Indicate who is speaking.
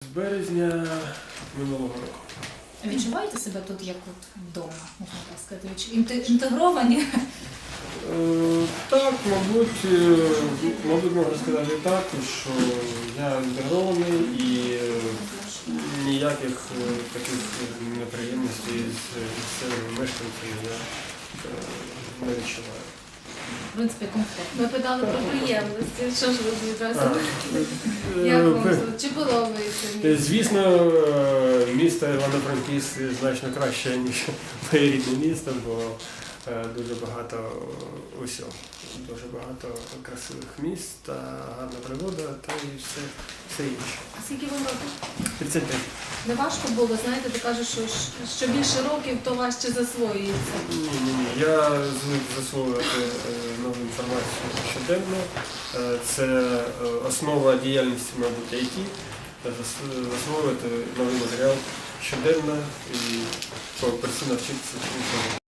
Speaker 1: з березня минулого року.
Speaker 2: Відчуваєте себе тут як от вдома, можна так сказати? Інтегровані?
Speaker 1: Так, мабуть, можна сказати так, що я інтегрований і ніяких таких неприємностей з місцевими мешканцями я не відчуваю.
Speaker 2: В принципі, комфортно.
Speaker 3: Ми питали про приємності. Що ж ви відразу? Як вам тут? Чи подобається?
Speaker 1: Звісно, місто Івано-Франківськ значно краще, ніж моє рідне місто, бо дуже багато усього. Дуже багато красивих міст, та гарна природа та і все інше.
Speaker 3: А скільки вам років?
Speaker 1: 35.
Speaker 3: Не важко було, знаєте, ти кажеш, що більше років, то важче засвоюється.
Speaker 1: Ні. Я звик засвоювати нову інформацію щоденно. Це основа діяльності, мабуть, IT. Засвоювати новий матеріал щоденно і постійно вчитися.